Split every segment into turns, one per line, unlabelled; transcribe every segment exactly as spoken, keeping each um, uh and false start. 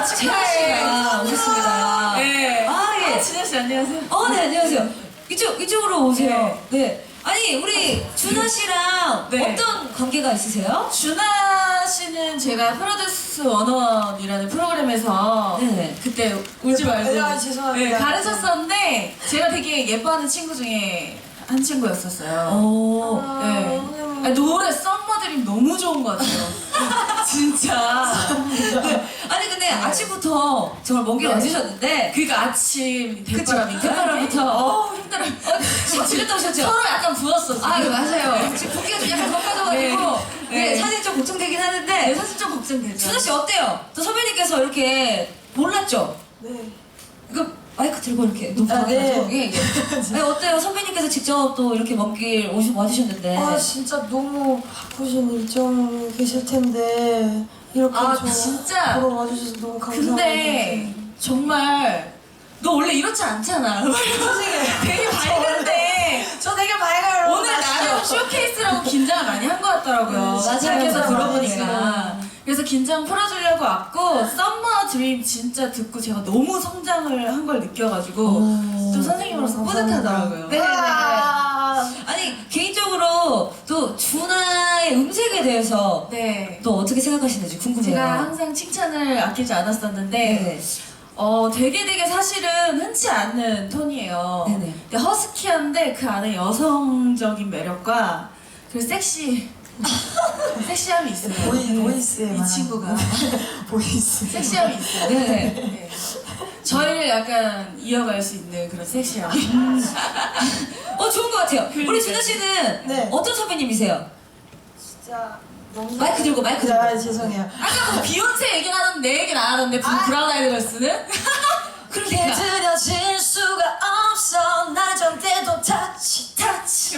아, 축하해.
오셨습니다.
네.
아, 예.
진아 씨 안녕하세요.
어, 네, 안녕하세요. 이쪽, 이쪽으로 오세요. 네. 아니, 우리 준하 씨랑
네.
어떤 관계가 있으세요?
준하 씨는 제가 프로듀스 원어원이라는 프로그램에서
네네.
그때 울지 말고
아, 죄송합니다.
네, 가르쳤었는데 제가 되게 예뻐하는 친구 중에 한 친구였었어요.
오.
네. 아니, 노래 썸머드림 너무 좋은 것 같아요. 진짜.
네. 아니, 근데 아침부터 정말 먼 길
네.
와주셨는데.
그러니까 아침 대바람인가?
대바람부터.
어 힘들어.
어, 지렸다 오셨죠?
서로 약간 부었어. 지금.
아, 맞아요. 지금 붓기가 좀 약간 덮어져가지고.
네.
네.
네.
사실 좀 걱정되긴 하는데.
네, 사실 좀 걱정되죠.
준하 씨 어때요? 또 선배님께서 이렇게 몰랐죠?
네.
이거 마이크 들고 이렇게 높게
아, 네.
가지고. 예, 예. 네, 어때요? 선배님께서 직접 또 이렇게 먼 길 오시 와주셨는데.
아 진짜 너무 바쁘신 일정이 계실 텐데 이렇게
아,
저
진짜?
보러 와주셔서 너무 감사합니다.
근데 정말 너 원래 이렇지 않잖아. 되게 밝은데
저 되게 밝아요.
오늘 나름 쇼케이스라고 긴장을 많이 한 것 같더라고요.
네, 맞아요.
밖에서
맞아요.
들어보니까. 그래서 긴장 풀어주려고 왔고 썸머 드림 진짜 듣고 제가 너무 성장을 한 걸 느껴가지고
오.
좀 선생님으로서
감사합니다.
뿌듯하더라고요.
네, 네, 네.
아,
아니, 개인적으로 또 준하의 음색에 대해서
네.
또 어떻게 생각하시는지 궁금해요.
제가 항상 칭찬을 아끼지 않았었는데
네.
어 되게 되게 사실은 흔치 않는 톤이에요.
네네.
근데 허스키한데 그 안에 여성적인 매력과 그 섹시 섹시함이 있어요.
보이 보이스에
이 친구가
보이스.
섹시함이 있어요.
네.
네. 저희를 약간 이어갈 수 있는 그런 섹시함.
어, 좋은 것 같아요. 우리
그러니까요.
준하 씨는
네.
어떤 선배님이세요?
진짜 너무
마이크 들고, 마이크 들고.
아, 죄송해요.
아까 뭐 비욘세 얘기는 하던데 내 얘기는 안 하던데
아.
브라운 아이드 걸스는?
그러니까.
들려질 수가 없어 나전대도 타치 타치.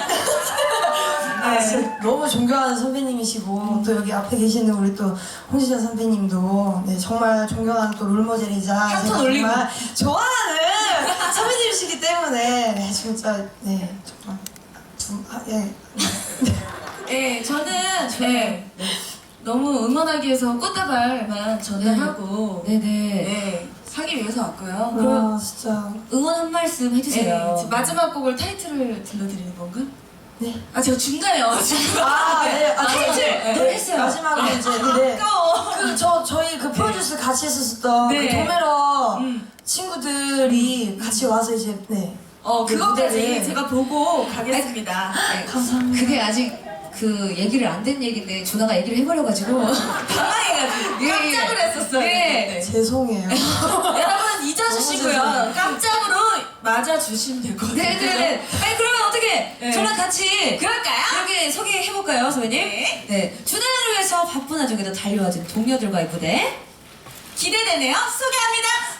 아, 진짜 너무 존경하는 선배님이시고 또 여기 앞에 계시는 우리 또 홍지자 선배님도 네, 정말 존경하는 또 롤모델이자
한톤
제가
올리고.
정말 좋아하는 선배님이시기 때문에 네, 진짜 네 정말 두, 아, 예.
네, 저는 네, 너무 응원하기 위해서 꽃다발만 전달하고
네네.
네, 사기 위해서 왔고요. 그럼
와 진짜
응원 한 말씀 해주세요.
네, 마지막 곡을 타이틀을 들려드리는 건가?
네.
아 제가 중간에 와가지고
아, 네. 아,
타이틀!
네,
네, 했어요.
마지막으로 이제 네.
아까워.
그 저 저희 그 프로듀스 같이 했었던
네.
그 도메러
음.
친구들이 같이 와서 이제 네.
어
그
그거까지
무대를-
제가 보고 가겠습니다. 네.
감사합니다.
그게 아직 그 얘기를 안 된 얘기인데 준하가 얘기를 해버려가지고
당황해가지고
예, 예.
깜짝을 했었어요.
예.
네.
죄송해요.
여러분 잊어주시고요.
죄송해요.
깜짝으로 맞아주시면 될 것 같아요.
네네네. 아니 그러면 어떻게
네.
저랑 같이
그럴까요?
이렇게 소개해볼까요, 선배님?
네.
네. 준하를 위해서 바쁜 와중에도 달려와준 동료들과의 무대.
기대되네요. 소개합니다.